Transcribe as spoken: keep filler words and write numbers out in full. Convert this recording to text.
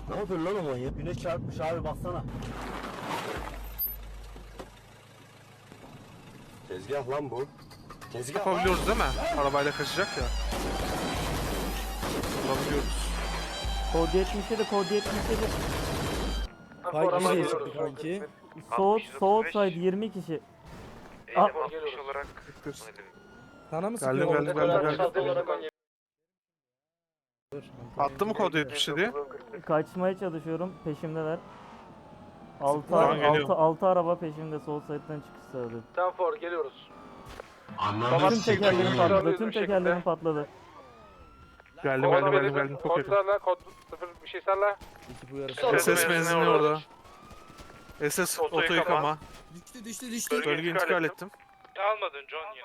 Ne yapıyorsun lan o manyak? Güneş çarpmış abi baksana. Tezgah lan bu. Tezgah. Yapabiliyoruz değil mi? Arabayla kaçacak ya. Yapabiliyoruz. Kod yetmiş yedi, kod yetmiş yedi. Fight nereye çıktı kanki? Soğut, soğut side yirmi kişi. Aa, altmış olarak Sana mı Geldim sıkıyor? geldim geldim geldim. Attı mı kod yetmiş diye? kaçmaya çalışıyorum, peşimdeler. Altı, Tamam, altı, geliyorum. altı araba peşimde, sol side'den çıkış sağladı. Stanford geliyoruz. Tüm tekerlerim patladı, tüm tekerlerim patladı. Geldim geldim geldim geldim çok yakın. Kodlarla kod sıfır bir şey sarla. Ekip uyarısı. S S benzinli orada. S S oto yıkama. Düştü düştü düştü. Bölge intikal ettim. Almadın John yine.